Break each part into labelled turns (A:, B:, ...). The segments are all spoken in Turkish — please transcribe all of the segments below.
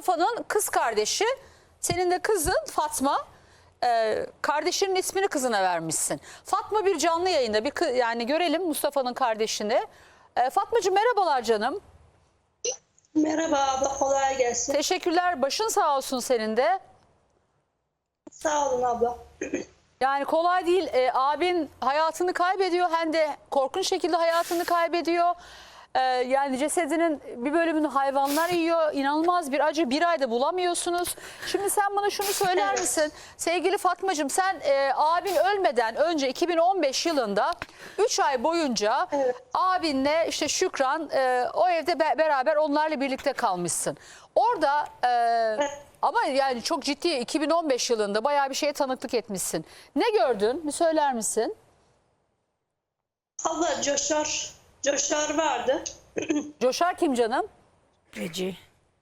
A: Mustafa'nın kız kardeşi, senin de kızın Fatma. Kardeşinin ismini kızına vermişsin. Fatma bir canlı yayında, yani görelim Mustafa'nın kardeşini. Fatmacığım merhabalar canım.
B: Merhaba abla, kolay gelsin.
A: Teşekkürler, başın sağ olsun senin de.
B: Sağ olun abla.
A: Yani kolay değil. Abin hayatını kaybediyor, hem de korkunç şekilde hayatını kaybediyor. Yani cesedinin bir bölümünü hayvanlar yiyor. İnanılmaz bir acı, bir ayda bulamıyorsunuz. Şimdi sen bana şunu söyler misin? Sevgili Fatmacığım, sen abin ölmeden önce 2015 yılında 3 ay boyunca abinle işte Şükran o evde beraber onlarla birlikte kalmışsın. Orada ama yani çok ciddi 2015 yılında bayağı bir şeye tanıklık etmişsin. Ne gördün? Bir söyler misin?
B: Abla Coşar vardı.
A: Coşar kim canım?
C: Gece.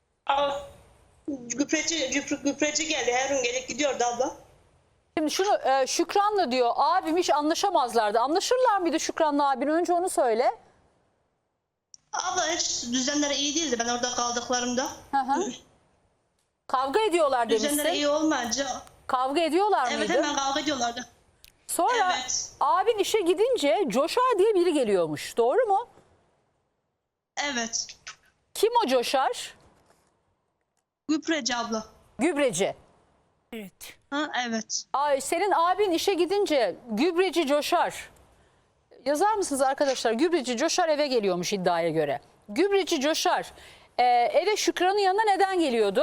B: Güpreci geldi. Her gün gelip gidiyordu abla.
A: Şimdi şunu Şükran'la diyor abim hiç anlaşamazlardı. Anlaşırlar mıydı Şükran'la abin? Önce onu söyle.
B: Abla hiç düzenleri iyi değildi ben orada kaldıklarımda.
A: Hı hı. Kavga ediyorlar demişsin.
B: Düzenleri iyi olmayınca.
A: Kavga ediyorlar
B: Evet,
A: mıydı?
B: hemen kavga ediyorlardı.
A: Sonra
B: Evet.
A: abin işe gidince Coşar diye biri geliyormuş. Doğru mu?
B: Evet.
A: Kim o Coşar?
B: Güpreci abla.
A: Gübreci.
C: Evet.
B: Ha, evet.
A: Ay, senin abin işe gidince gübreci Coşar. Yazar mısınız arkadaşlar? Gübreci Coşar eve geliyormuş iddiaya göre. Gübreci Coşar eve Şükran'ın yanına neden geliyordu?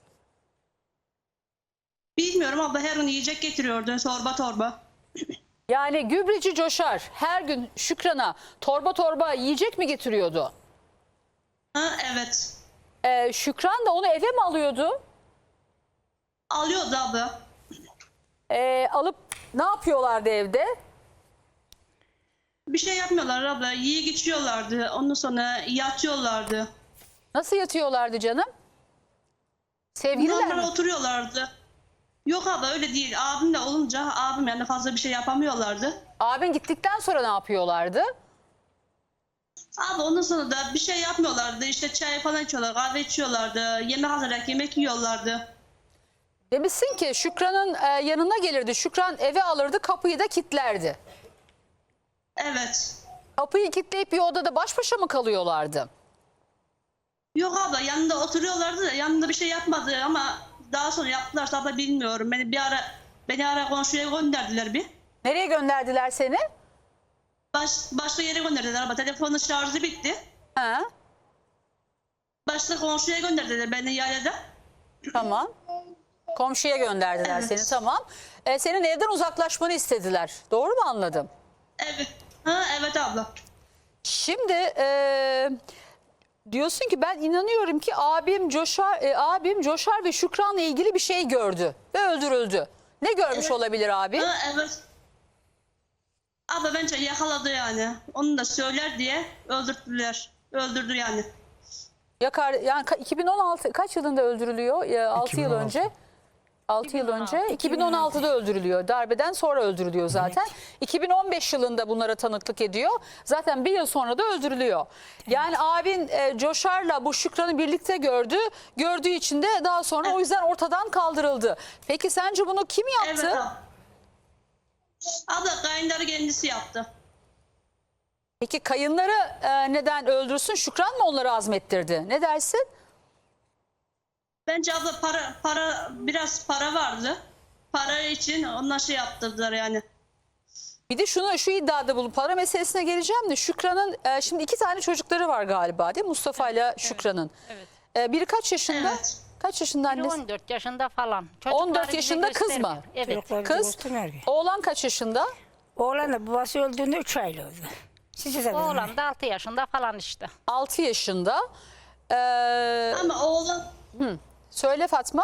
B: Bilmiyorum abla, her gün yiyecek getiriyordu torba torba.
A: Yani gübreci Coşar her gün Şükran'a torba torba yiyecek mi getiriyordu?
B: Ha, evet.
A: Şükran da onu eve mi alıyordu?
B: Alıyordu abla.
A: Alıp ne yapıyorlardı evde?
B: Bir şey yapmıyorlar abla. Yiyip içiyorlardı. Ondan sonra yatıyorlardı.
A: Nasıl yatıyorlardı canım? Sevgililer mi?
B: Normal oturuyorlardı. Yok abla, öyle değil. Abimle olunca abim yani fazla bir şey yapamıyorlardı.
A: Abin gittikten sonra ne yapıyorlardı?
B: Abi ondan sonra da bir şey yapmıyorlardı. İşte çay falan içiyorlar, kahve içiyorlardı. Yemek hazırlayıp yemek yiyorlardı.
A: Demişsin ki Şükran'ın yanına gelirdi. Şükran eve alırdı, kapıyı da kilitlerdi.
B: Evet.
A: Kapıyı kilitleyip bir odada baş başa mı kalıyorlardı?
B: Yok abla, yanında oturuyorlardı da yanında bir şey yapmadı ama daha sonra yaptılarsa abla bilmiyorum. Beni ara komşuya gönderdiler bir.
A: Nereye gönderdiler seni?
B: Başka yere gönderdiler ama telefonun şarjı bitti.
A: Ha,
B: Başka komşuya gönderdiler beni yaylada.
A: tamam. Komşuya gönderdiler
B: Evet.
A: seni, tamam. Senin evden uzaklaşmanı istediler. Doğru mu anladım?
B: Evet. Ha, evet abla.
A: Şimdi diyorsun ki ben inanıyorum ki abim Coşar ve Şükran'la ilgili bir şey gördü ve öldürüldü. Ne görmüş
B: Evet.
A: olabilir abi?
B: Ha, evet. Abla bence yakaladı yani. Onu da söyler diye öldürdüler. Öldürdü yani.
A: Yani 2016 kaç yılında öldürülüyor? 6 yıl
C: 2016.
A: önce. 6 yıl önce 2016'da öldürülüyor. Darbeden sonra öldürülüyor zaten. 2015 yılında bunlara tanıklık ediyor. Zaten bir yıl sonra da öldürülüyor. Yani abin Coşar'la bu Şükran'ı birlikte gördü. Gördüğü için de daha sonra o yüzden ortadan kaldırıldı. Peki sence bunu kim yaptı?
B: Evet abla. Abla kayınları kendisi yaptı.
A: Peki kayınları neden öldürsün? Şükran mı onları azmettirdi? Ne dersin?
B: Bence abla biraz para vardı. Para için onlar şey yaptırdılar yani.
A: Bir de şu iddiada bulup para meselesine geleceğim de Şükran'ın şimdi 2 tane çocukları var galiba değil mi? Mustafa ile Şükran'ın.
C: Evet.
A: Biri kaç yaşında?
B: Evet.
A: Kaç yaşında
D: Biri
A: annesi?
D: 14 yaşında falan.
A: 14
D: bize
A: yaşında kız mı?
D: göstermiyor. Evet.
C: Çocuklar
A: Kız.
C: göstermiyor ki.
A: Oğlan kaç yaşında?
C: Oğlan da babası öldüğünde 3 aylık oldu. Siz de
D: Oğlan da 6 yaşında falan işte.
A: 6 yaşında.
B: Ama oğlan
A: Söyle Fatma.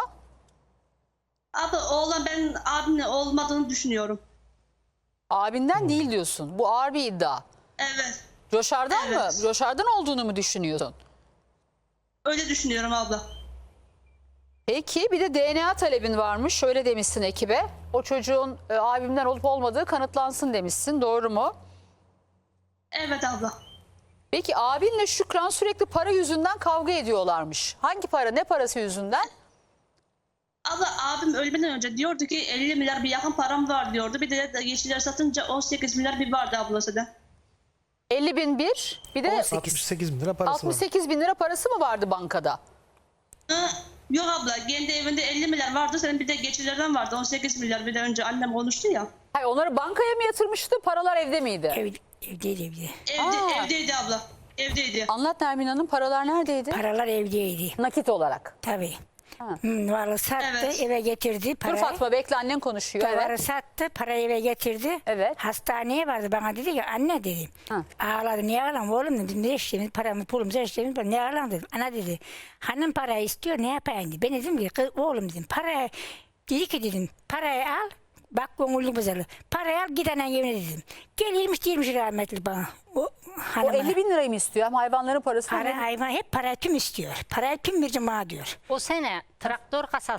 B: ben abimle olmadığını düşünüyorum.
A: Abinden değil diyorsun. Bu ağır bir iddia.
B: Evet.
A: Coşar'dan mı?
B: Evet.
A: Coşar'dan olduğunu mu düşünüyorsun?
B: Öyle düşünüyorum abla.
A: Peki bir de DNA talebin varmış. Şöyle demişsin ekibe. O çocuğun abimden olup olmadığı kanıtlansın demişsin. Doğru mu?
B: Evet abla.
A: Peki abinle Şükran sürekli para yüzünden kavga ediyorlarmış. Hangi para, ne parası yüzünden?
B: Abla abim ölmeden önce diyordu ki 50 milyar bir yakın param var diyordu. Bir de yeşiller satınca 18 milyar bir vardı ablası da.
A: 50 bin bir de
E: 68 bin lira parası var.
A: 68 bin lira parası mı vardı bankada?
B: Ha, yok abla kendi evinde 50 milyar vardı. Senin bir de geçilerden vardı 18 milyar. Bir de önce annem konuştu ya.
A: Hayır, onları bankaya mı yatırmıştı? Paralar evde miydi?
C: Evdeydi evde.
B: Evdeydi abla. Evdeydi.
A: Anlat Nermin Hanım, paralar neredeydi?
C: Paralar evdeydi.
A: Nakit olarak.
C: Tabii.
A: Ha.
C: Varı sattı,
B: Evet.
C: eve getirdi
A: Dur
C: parayı.
A: Fatma bekle, annen konuşuyor.
C: Varı
A: Evet.
C: sattı, parayı eve getirdi.
A: Evet.
C: Hastaneye vardı, bana dedi ki anne dedi.
A: Ha.
C: Ağladı, niye ağlam oğlum dedim. Ne işlemiz, paramı pulumuzu işlemiz, ne ağlam dedim. Ana dedi, hanım parayı istiyor, ne yapayım dedi. Ben dedim ki kız, oğlum dedim, parayı, dedi ki dedim, parayı al. Bak gönüllü bazalı. Parayı al git anan evine dedim. Gel 20 rahmetli bana. O
A: O
C: hanıma.
A: 50 bin lirayı mı istiyor? Hem hayvanların parası.
C: Para hayvan hep para tüm istiyor. Parayı tüm vereceğim bana diyor.
D: O sene traktör kasası.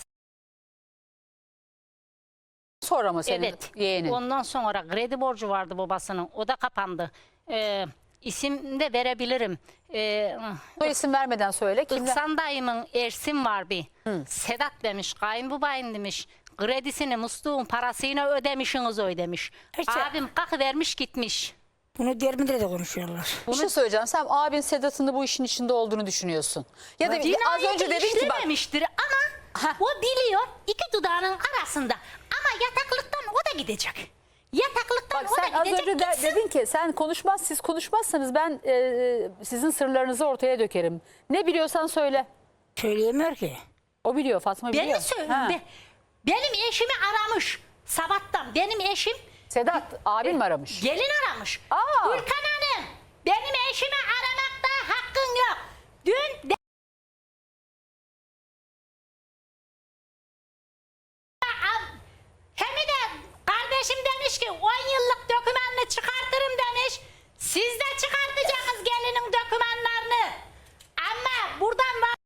A: Sonra mı senin
D: Evet.
A: yeğenin?
D: Ondan sonra kredi borcu vardı babasının. O da kapandı. İsim de verebilirim.
A: Soy isim vermeden söyle. Kimler?
D: İhsan dayımın Ersin var bir. Sedat demiş, kayınbabayım demiş. Kredisini musluğun parasıyla ödemişsiniz ödemiş.
C: İşte-
D: Abim kalkı vermiş gitmiş.
C: Bunu dermide de konuşuyorlar.
A: Bir şey söyleyeceğim. Sen abin Sedat'ın da bu işin içinde olduğunu düşünüyorsun. Ya da az önce dedin ki bak.
D: işlememiştir ama o biliyor iki dudağının arasında. Ama yataklıktan o da gidecek. Yataklıktan
A: Bak
D: o
A: sen
D: da
A: az
D: gidecek.
A: önce
D: gitsin.
A: dedin ki siz konuşmazsanız ben sizin sırlarınızı ortaya dökerim. Ne biliyorsan söyle.
C: Söyleyemiyor ki.
A: O biliyor, Fatma biliyor.
D: Beni söyle.
A: Ha.
D: Benim eşimi aramış sabahtan. Benim eşim
A: Sedat abin mi aramış?
D: gelin aramış.
A: Aa.
D: Gülkan Hanım benim eşimi aramakta hakkın yok. Dün hem de kardeşim demiş ki 10 yıllık dokümanını çıkartırım demiş. Siz de çıkartacaksınız gelinin dokümanlarını. Ama buradan var.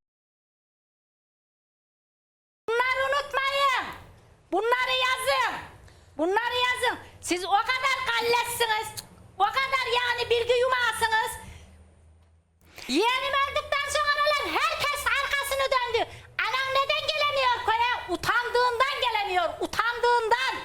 D: Bunları unutmayın. Bunları yazın. Bunları yazın. Siz o kadar kalletsiniz. O kadar yani bilgi yumağısınız. Yeğenim öldükten sonra herkes arkasını döndü. Anam neden gelemiyor koya? Utandığından gelemiyor. Utandığından.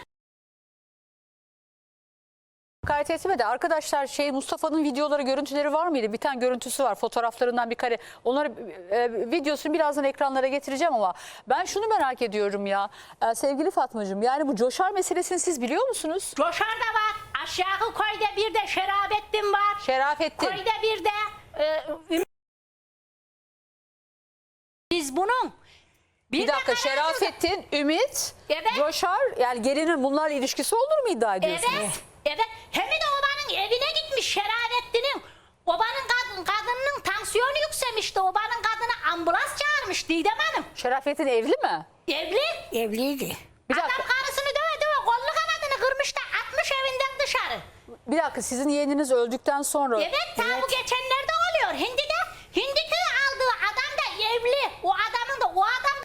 A: Hakaret etme de arkadaşlar Mustafa'nın videoları, görüntüleri var mıydı? Bir tane görüntüsü var, fotoğraflarından bir kare. Onları videosunu birazdan ekranlara getireceğim ama ben şunu merak ediyorum ya. Sevgili Fatmacığım, yani bu Coşar meselesini siz biliyor musunuz?
D: Coşar da var. Aşağı koyda bir de Şerafettin var.
A: Şerafettin.
D: Koyda bir de biz bunun
A: Bir dakika, Şerafettin, Ümit,
D: Evet.
A: Coşar, yani gelinin bunlarla ilişkisi olur mu iddia ediyorsunuz?
D: Evet. Evet. Hem de obanın evine gitmiş Şerafettin'in. Obanın kadının tansiyonu yükselmişti. Obanın kadını ambulans çağırmış Didem Hanım.
A: Şerafettin evli mi?
D: Evli.
C: Evliydi.
A: Bir
D: Adam
A: dakika,
D: karısını döve döve kollu kanadını kırmış da atmış evinden dışarı.
A: bir dakika, sizin yeğeniniz öldükten sonra...
D: Evet, ta bu geçenlerde oluyor. Hindi köyü aldığı adam da evli. O adam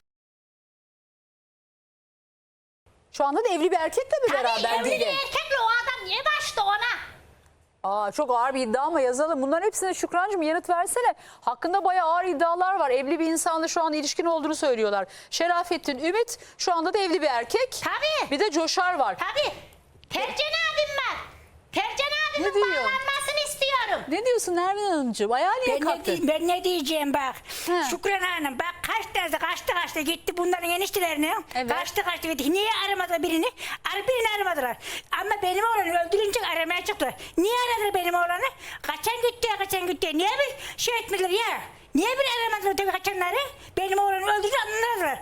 A: Şu anda da evli bir erkekle mi
D: tabii
A: beraber
D: evli bir
A: Didem?
D: erkekle o adam niye başta ona?
A: Çok ağır bir iddia ama yazalım. Bunların hepsine Şükrancığım yanıt versene. Hakkında bayağı ağır iddialar var. Evli bir insanla şu an ilişkin olduğunu söylüyorlar. Şerafettin, Ümit şu anda da evli bir erkek.
D: Tabii.
A: Bir de Coşar var.
D: Tabii. Tercan abim var. Tercan
A: Ne
D: abimin
A: diyor?
D: bağlanmasını istiyorum.
A: Ne diyorsun Nermin Hanımcığım? Ayağa niye kalktın?
C: Ben ne diyeceğim bak.
A: Ha.
C: Şükran Hanım bak kaçtı gitti bunların eniştelerine.
A: Evet.
C: Kaçtı gitti. Niye aramadılar birini? Birini aramadılar. Ama benim oğlanı öldürünce aramaya çıktılar. Niye aradılar benim oğlanı? Kaçan gitti. Niye bir şey etmediler ya? Niye bir aramadılar tabii kaçanları? Benim oğlanı öldürünce anladılar.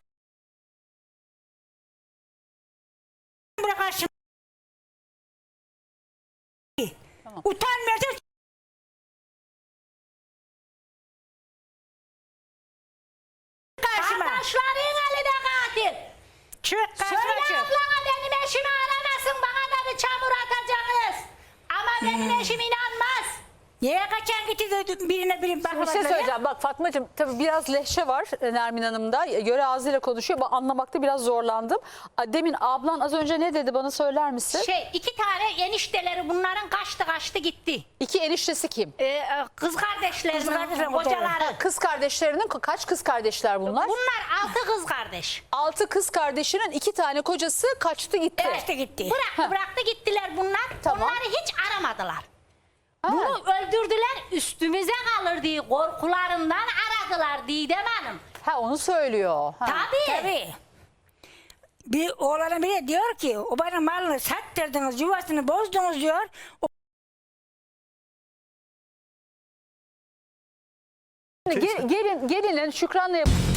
C: Buna karşı utanmıyorsun. Karşıma.
D: Kardeşlerin elinde katil.
C: Çık karşıma
D: Söyle
C: çık.
D: ablana benim eşimi aramasın. Bana da bir çamur atacaksınız. Ama benim eşim inanmaz.
C: Niye kaçan gitti de birine
A: Bir şey
C: bakmadılar ya?
A: söyleyeceğim. Bak Fatmacığım tabii biraz lehçe var Nermin Hanım'da. Göre ağzıyla konuşuyor. Ben anlamakta biraz zorlandım. Demin ablan az önce ne dedi bana söyler misin?
D: 2 tane enişteleri bunların kaçtı gitti.
A: 2 eniştesi kim?
D: Kız kardeşlerinin
C: Kız kardeşlerin
D: kocaları.
A: Kız kardeşlerinin kaç kız kardeşler bunlar?
D: Bunlar 6 kız kardeş.
A: 6 kız kardeşinin 2 tane kocası kaçtı gitti.
C: Kaçtı gitti.
D: Bıraktı gittiler bunlar.
A: Tamam.
D: Onları hiç aramadılar.
A: Ha.
D: Bunu öldürdüler, üstümüze kalır diye korkularından aradılar Didem Hanım.
A: Ha onu söylüyor. Ha.
D: Tabii.
C: Bir oğlanı bile diyor ki o bana malını sattırdınız, yuvasını bozdunuz diyor.
A: Gelinin Şükran'la